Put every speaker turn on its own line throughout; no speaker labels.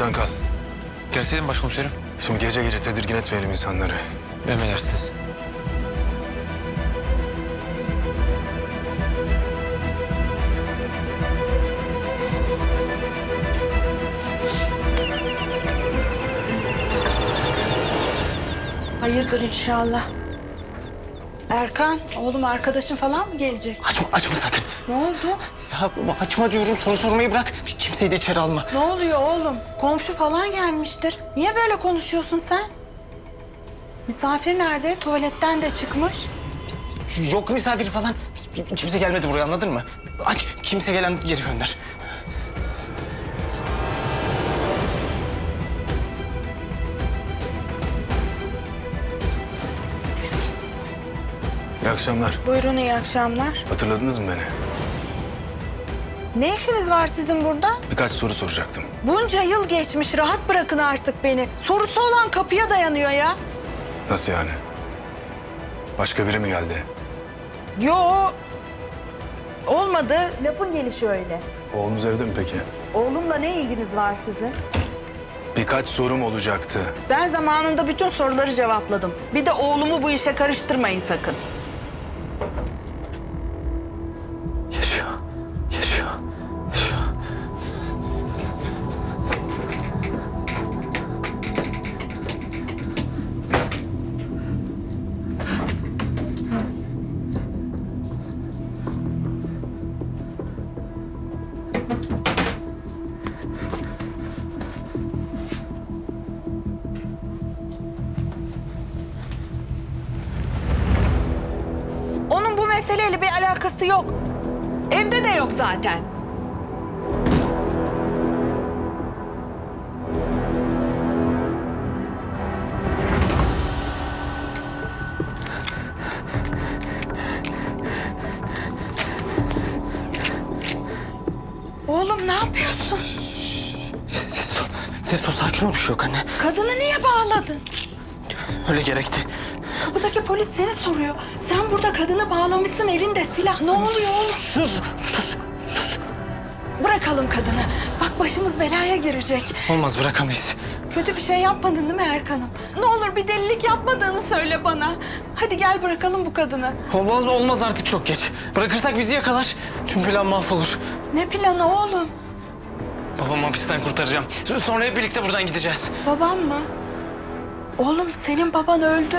sen kal.
Gelseydim başkomiserim.
Şimdi gece gece tedirgin etmeyelim insanları.
Emredersiniz.
Hayırdır inşallah. Erkan, oğlum arkadaşın falan mı gelecek?
Açma sakın.
Ne oldu?
Ya açma diyorum, soru sormayı bırak. Kimseyi de içeri alma.
Ne oluyor oğlum? Komşu falan gelmiştir. Niye böyle konuşuyorsun sen? Misafir nerede? Tuvaletten de çıkmış.
Yok misafir falan. Kimse gelmedi buraya, anladın mı? Aç, kimse gelen geri gönder.
İyi akşamlar.
Buyurun, iyi akşamlar.
Hatırladınız mı beni?
Ne işiniz var sizin burada?
Birkaç soru soracaktım.
Bunca yıl geçmiş, rahat bırakın artık beni. Sorusu olan kapıya dayanıyor ya.
Nasıl yani? Başka biri mi geldi?
Yo, olmadı. Lafın gelişi öyle.
Oğlunuz evde mi peki?
Oğlumla ne ilginiz var sizin?
Birkaç sorum olacaktı.
Ben zamanında bütün soruları cevapladım. Bir de oğlumu bu işe karıştırmayın sakın.
Yaşıyor.
Onun bu meseleyle bir alakası yok. Evde de yok zaten. Oğlum ne yapıyorsun?
Ses ol, sakin ol, bir şey yok anne.
Kadını niye bağladın?
Öyle gerekti.
Kapıdaki polis seni soruyor. Sen burada kadını bağlamışsın, elinde silah. Ne oluyor oğlum?
Sus.
Bırakalım kadını. Bak başımız belaya girecek.
Olmaz, bırakamayız.
Kötü bir şey yapmadın değil mi Erkan'ım? Ne olur bir delilik yapmadığını söyle bana. Hadi gel bırakalım bu kadını.
Olmaz artık, çok geç. Bırakırsak bizi yakalar. Tüm plan mahvolur.
Ne planı oğlum?
Babamı hapisten kurtaracağım. Sonra hep birlikte buradan gideceğiz.
Babam mı? Oğlum senin baban öldü.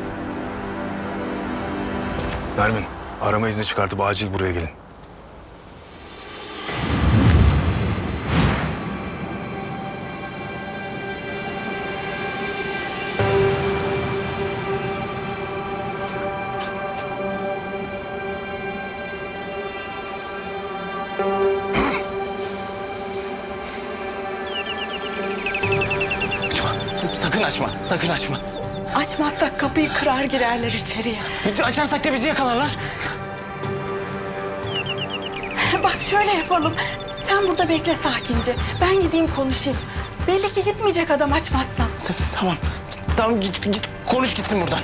Nermin, arama izni çıkartıp acil buraya gelin.
Sakın açma.
Açmazsak kapıyı kırar girerler içeriye.
Açarsak da bizi yakalarlar.
Bak şöyle yapalım. Sen burada bekle sakince. Ben gideyim konuşayım. Belli ki gitmeyecek adam açmazsam.
Tamam git konuş gitsin buradan.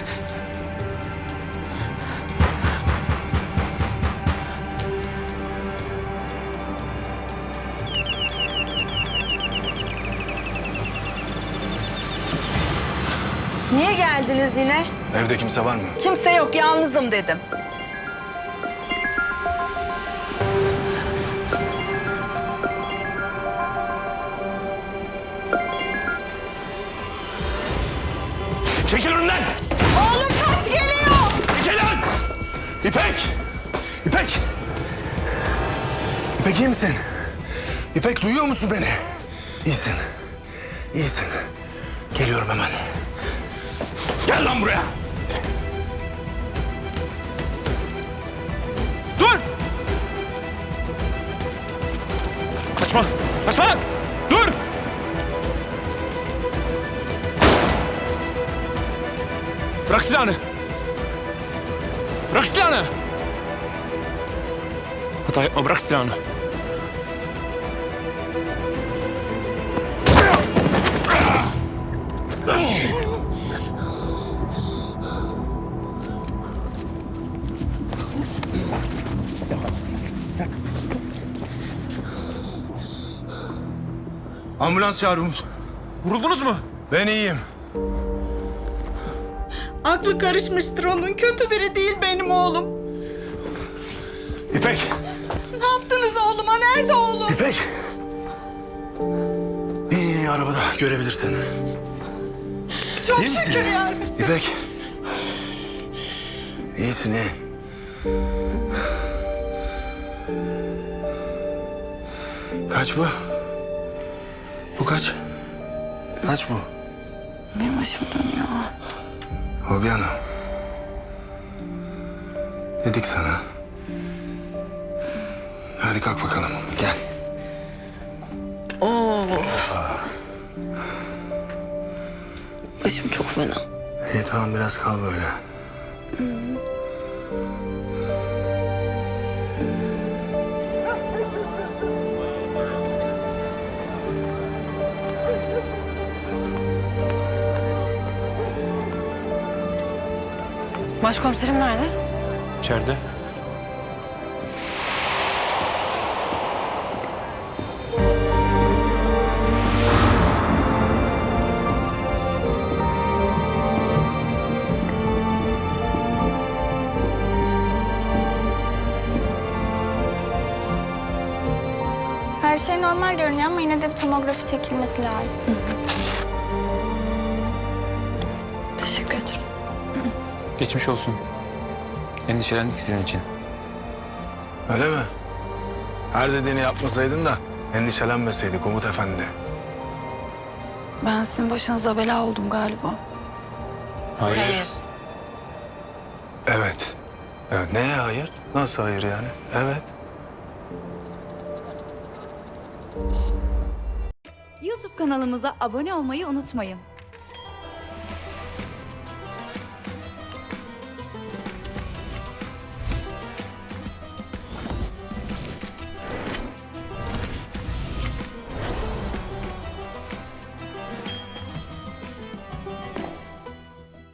Niye geldiniz yine?
Evde kimse var mı?
Kimse yok, yalnızım dedim.
Çekil önümden!
Oğlum kaç geliyor!
Çekil lan! İpek! İpek! İpek iyi misin? İpek duyuyor musun beni? İyisin. İyisin. Geliyorum hemen. Gel lan buraya!
Dur! Kaçma! Dur! Bırak silahını! Hata yapma, bırak silahını.
Ambulans çağırın.
Vuruldunuz mu?
Ben iyiyim.
Aklı karışmıştır onun. Kötü biri değil benim oğlum.
İpek!
Ne yaptınız oğluma? Nerede oğlum?
İpek! İyi arabada görebilirsin.
Çok
İyi misin?
şükür ya.
İpek! İyisin iyi. Kaç bu? Bu kaç? Kaç bu?
Benim başım dönüyor.
Hobi Hanım. Dedik sana. Hadi kalk bakalım. Gel.
Başım çok fena.
İyi tamam biraz kal böyle.
Başkomiserim nerede?
İçeride.
Her şey normal görünüyor ama yine de bir tomografi çekilmesi lazım.
Teşekkür ederim.
Geçmiş olsun. Endişelendik sizin için.
Öyle mi? Her dediğini yapmasaydın da endişelenmeseydik Umut Efendi.
Ben sizin başınıza bela oldum galiba.
Hayır.
Evet. Evet. Neye hayır? Nasıl hayır yani? Evet.
YouTube kanalımıza abone olmayı unutmayın.